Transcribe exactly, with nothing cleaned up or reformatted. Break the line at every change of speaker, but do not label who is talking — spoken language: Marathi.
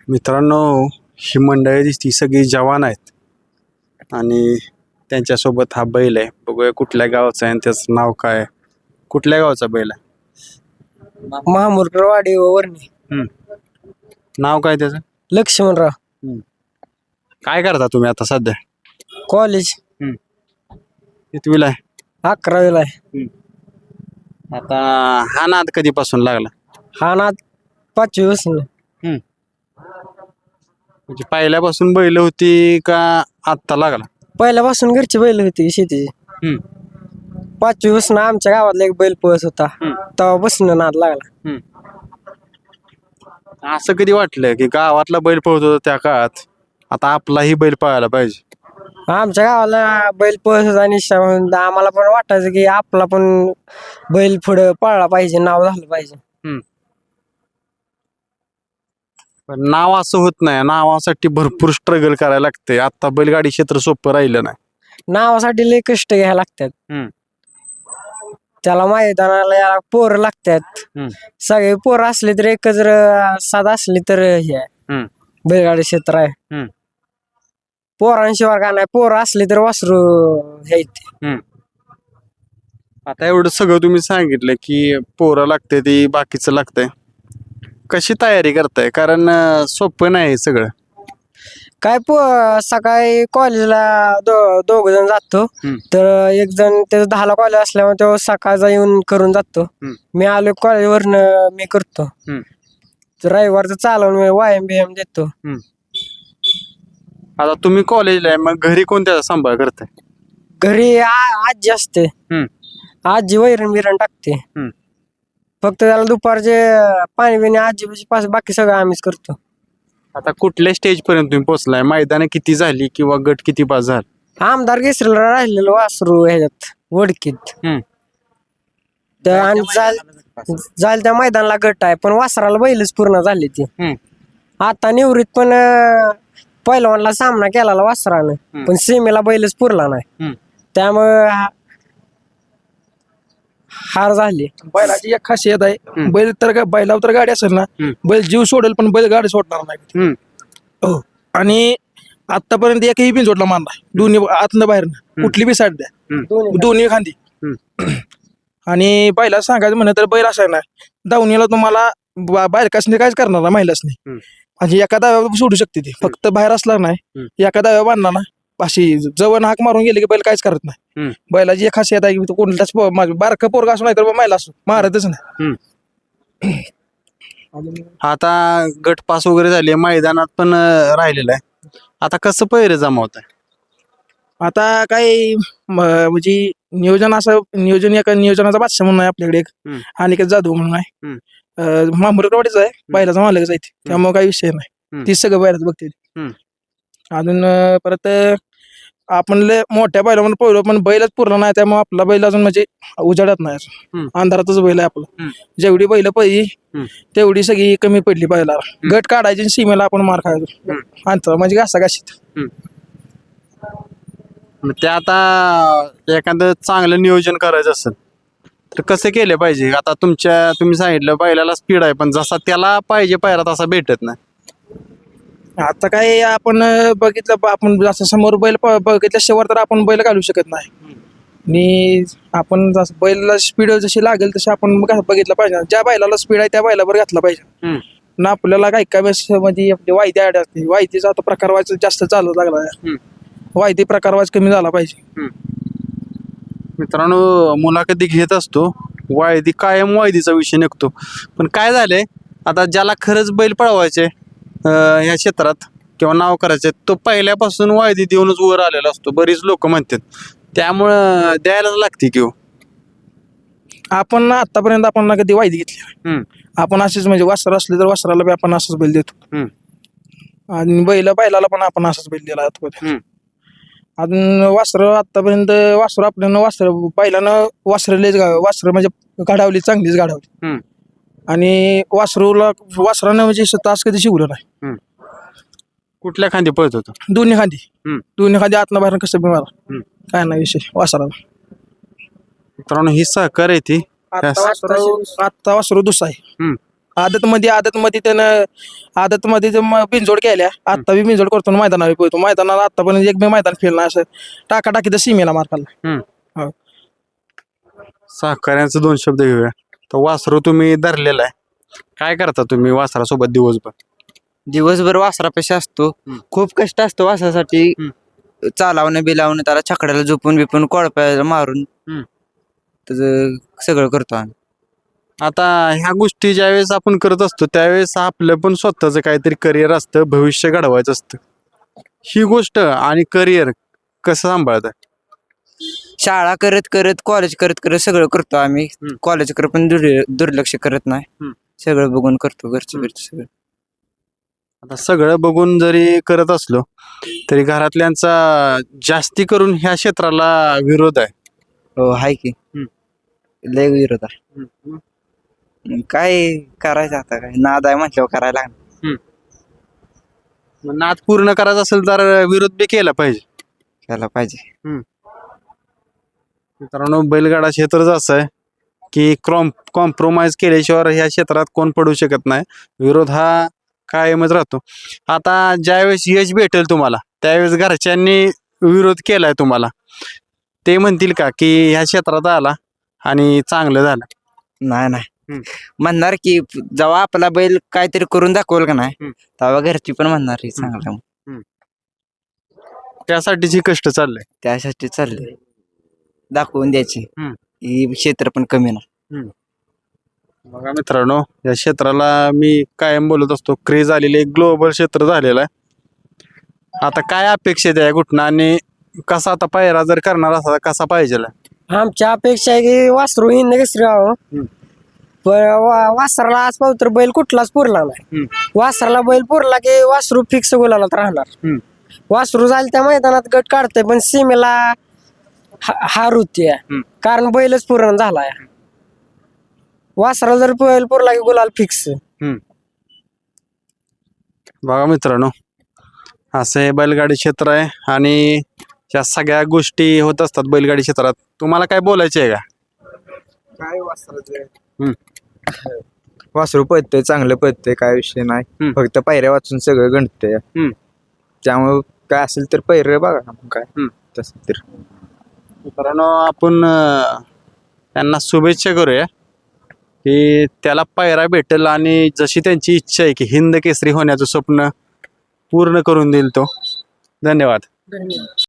मित्रांनो, ही मंडळी दिसती सगळी जवान आहेत आणि त्यांच्यासोबत हा बैल आहे. बघूया कुठल्या गावाचा आहे आणि त्याचं नाव काय आहे. कुठल्या गावाचा बैल आहे?
महामुरवाडी वरणी
हम्म. नाव काय त्याचं?
लक्ष्मणराव.
हम्म. काय करता तुम्ही आता सध्या?
कॉलेज
कितवीला आहे?
अकरावीला आहे.
आता हा नाद कधीपासून लागला?
हा ना पाचवी बसून
म्हणजे पहिल्यापासून बैल होती का आत्ता लागला?
पहिल्यापासून घरची बैल होती शेतीची.
हम्म.
पाचवी बसून आमच्या गावातला एक बैल पळत होता,
हम्म.
तेव्हा बसून नाद लागला.
असं कधी वाटलं की गावातला बैल पळत होता त्या काळात, आता आपलाही बैल पळायला पाहिजे?
आमच्या गावाला बैल पळत होता आणि श- आम्हाला पण वाटायचं की आपला पण बैल पुढं पळला पाहिजे, नाव झालं पाहिजे.
पण नाव असं होत नाही, नावासाठी भरपूर स्ट्रगल करायला लागते. आता बैलगाडी क्षेत्र सोपं राहिलं नाही.
नावासाठी लय कष्ट घ्यायला लागतात.
हम्म.
त्याला मैदानाला याला पोरं लागतात.
हम्म.
सगळे पोरं असले तर एकच जर साधा असली तर हे आहे,
हम्म.
बैलगाडी क्षेत्र आहे.
हम्म.
पोरांशिवाय का नाही, पोरं असली तर वासरू हे
आता एवढं सगळं तुम्ही सांगितलं की पोरं लागते ती बाकीचं लागतंय, कशी तयारी करताय? कारण अं, सोपं नाही हे सगळं.
काय पो सकाळी कॉलेजला दो दोघ जण जातो.
हम्म.
तर एक जण त्याचं दहाला कॉलेज असल्यामुळे तो सकाळचा येऊन करून जातो.
हम्म.
मी आलो कॉलेजवरनं मी करतो.
हम्म.
तर रविवारचं चालवून मी व्यायाम बियाम देतो.
आता तुम्ही कॉलेजला आहे, मग घरी कोणत्या सांभाळ करताय?
घरी आ- आजी असते.
हम्म.
आजी वैरण बिरण टाकते.
हम्म.
फक्त त्याला दुपारचे पाणी बिणी आजी पास, बाकी सगळं आम्हीच करतो.
आता कुठल्या स्टेज पर्यंत तुम्ही पोहोचलाय? मैदान किती झाली किंवा गट किती पास झाला?
आमदार केसरीला राहिलेलं वासरू ह्याच्यात वडकीत.
हम्म.
तर आणि जाल जाल त्या मैदानाला गट आहे, पण वासराला बैलच पूर्ण झाली ती.
हम्म.
आता निवृत्त पण अं, पहिलवानला सामना केला वासरानं,
हम्म.
पण सीमेला बैलच पुरला नाही.
हम्म.
त्यामुळे हा- हार झाली.
बैलाची एक खासियत आहे,
हम्म.
बैल तर गा- बैलावर तर गाडी असेल ना,
हम्म.
बैल जीव सोडेल पण बैल गाडी सोडणार नाही.
हम्म.
हो. आणि आतापर्यंत एकही बिन सोडला मारला, दोन्ही आतनं बाहेरनं कुठली बी साईड द्या,
दोन्ही
दोन्ही खांदी. आणि बैला सांगायचं म्हणलं तर बैल असाय ना, दावणीला तुम्हाला बाहेर कसने काहीच करणार ना महिलासनी.
हम्म.
म्हणजे एका दाव्यावर सोडू शकते ती, फक्त बाहेर असला नाही एका दाव्या बांधला ना, अशी जवळ हाक मारून गेले की बैल काहीच करत नाही.
हम्म.
बैलाची एक खासियत आहे की तो कोणताच बारका पोरगा असो नाही तर महिला असो मारतच नाही.
आता गट पास वगैरे झाले, मैदानात पण अं, राहिलेलं आहे. आता कसं पैरे जमावत आहे?
आता काय म- म्हणजे नियोजन असं नियोजन एका नियोजनाचा बादशाह म्हणून आहे आपल्याकडे एक,
हम्म.
आणि एक जाधव म्हणून आहे.
हम्म.
मामुरकरवाडीच आहे, बैलाचा मालकच आहे ती. त्यामुळे काही विषय नाही,
हम्म.
ती सगळं बैलाच बघते.
हम्म.
अजून अं, परत अं, आपण लय मोठ्या बैलामध्ये पोहलो पण बैलच पुरला नाही, त्यामुळे आपला बैल अजून म्हणजे उजाडत नाही अजून.
हम्म.
अंधारातच बैल आहे आपला.
हम्म.
जेवढी बैल पहिली
हम्म.
तेवढी सगळी कमी पडली बैलाला. गट काढायची आणि सीमेला आपण मार खायचो अंतर म्हणजे घासा घाशीत.
मग ते आता एखादं चांगलं नियोजन करायचं असेल तर कसं केलं पाहिजे? आता तुमच्या तुम्ही सांगितलं बैलाला स्पीड आहे, पण जसा त्याला पाहिजे पायरा तसा भेटत नाही.
आता काय आपण अं, बघितलं ब- आपण जसं समोर बैल प- बघितल्याशिवाय तर आपण बैल घालू शकत नाही. आणि आपण जसं बैलाला स्पीड जशी लागेल तशी आपण घा- बघितलं पाहिजे. ज्या बैलाला स्पीड आहे त्या बैलावर घातला पाहिजे ना. आपल्याला काही काही वेळेस म्हणजे आपली वायदी आड असते, वायदीचा आता प्रकार व्हायचा जास्त चालू लागला आहे. वायदी प्रकार व्हायचा कमी झाला पाहिजे.
मित्रांनो, मुलाखती घेत असतो, वायदी कायम वायदीचा विषय निघतो. पण काय झालंय, आता ज्याला खरंच बैल पळवायचे अं, ह्या क्षेत्रात किंवा नाव करायचे, तो पहिल्यापासून वायदी देऊनच वर आलेला असतो, बरीच लोक म्हणतात. त्यामुळं द्यायलाच लागते किंवा
आपण आतापर्यंत आपण ना कधी वायदी घेतली. आपण असेच म्हणजे वासर असले तर वासराला बी आपण असंच बैल देतो, आणि बैल बैलाला पण आपण असंच बैल दिला आतापर्यंत. अजून वासर आतापर्यंत वासर आपल्यानं वासर पहिल्यानं वासरलेच वासर म्हणजे गाडावली, चांगलीच गाडावली. आणि वासरूला वासरानं म्हणजे तास कधी शिवलं नाही.
कुठल्या खांदी पळत होतो?
दोन्ही खांदी दोन्ही खांदी आतनं बाहेर कसं बी मारा, काय नाही विषय वासराला.
मित्रांनो, ही सहकार आहे ती.
आता वासरू आता वासरू दुसरा आहे. आदत मध्ये आदत मध्ये त्यानं आदत मध्ये बिनजोड केल्या आता बी बिनजोड करतो आणि मैदानावर पोहतो मैदानाला आतापर्यंत एक बी मैदान फेल नाही असं टाका टाकी तर सीमेला मार खाल्ला. हो.
सहकार्यांचे दोन शब्द घेऊया. तर वासरू तुम्ही धरलेला आहे, काय करता तुम्ही वासरासोबत दिवसभर?
दिवसभर वासरापाशी असतो. खूप कष्ट असतो वासरासाठी. चालावणं बिलावणं त्याला छकड्याला झोपून बिपून कोळप्याला मारून त्याचं सगळं करतो आम्ही.
आता ह्या गोष्टी ज्यावेळेस आपण करत असतो त्यावेळेस आपलं पण स्वतःचं काहीतरी करिअर असतं, भविष्य घडवायचं असतं. ही गोष्ट आणि करिअर कसं सांभाळतं?
शाळा करत करत कॉलेज करत करत सगळं करतो आम्ही. कॉलेजकडे पण दुर्- दुर्लक्ष करत नाही. सगळं बघून करतो घरचे घरचे सगळं.
आता सगळं बघून जरी करत असलो तरी घरातल्यांचा जास्ती करून ह्या क्षेत्राला विरोध आहे.
हो हाय की लय विरोध आहे. मग काय करायचं आता, काय नाद आहे म्हटल्यावर करायला लागणार.
मग नाद पूर्ण करायचा असेल तर विरोध बी केला पाहिजे.
केला पाहिजे.
मित्रांनो, बैलगाडा क्षेत्रच असं आहे की क्रॉम कॉम्प्रोमाइज केल्याशिवाय ह्या क्षेत्रात कोण पडू शकत नाही. विरोध हा कायमच राहतो. आता ज्यावेळेस यश भेटेल तुम्हाला त्यावेळेस घरच्यांनी विरोध केलाय तुम्हाला, ते म्हणतील का की ह्या क्षेत्रात आला आणि चांगलं झालं?
नाही नाही म्हणणार की जेव्हा आपला बैल काहीतरी करून दाखवल का नाही तेव्हा घरची पण म्हणणार हे चांगलं.
त्यासाठीची कष्ट चाललंय.
त्यासाठी चाललंय दाखवून द्यायची. ही क्षेत्र पण कमी नाही.
बघा मित्रांनो, या क्षेत्राला मी कायम बोलत असतो, क्रेज आलेले एक ग्लोबल क्षेत्र झालेलं आहे. आता काय अपेक्षित आहे घुटना आणि कसा आता पायरा जर करणार असा कसा पाहिजे?
आमची अपेक्षा आहे की वासरू हिंद केसरी व्हावं. पण वा- वासराला आज पाहू तर बैल कुठलाच पुरला नाही. वासराला बैल पुरला की वासरू फिक्स गोलालाच राहणार. वासरू जाईल त्या मैदानात गट काढतंय पण सीमेला हा- हार होती कारण बैलच पूर्ण झालाय. वासराला जर बैल पुरला की गुलाल फिक्स.
बघा मित्रांनो, असं हे बैलगाडी क्षेत्र आहे आणि या सगळ्या गोष्टी होत असतात बैलगाडी क्षेत्रात. तुम्हाला काय बोलायचे आहे का?
काय वासराचं वासरू पळतंय, चांगलं पळतंय, काय विषय नाही. फक्त पायऱ्या वाचून सगळं गणतंय. त्यामुळे काय असेल तर पैरे बघा ना मग काय तसं तर.
मित्रांनो, आपण अं, त्यांना शुभेच्छा करूया की त्याला पायरा भेटेल आणि जशी त्यांची इच्छा आहे की हिंद केसरी होण्याचं स्वप्न पूर्ण करून देईल तो. धन्यवाद.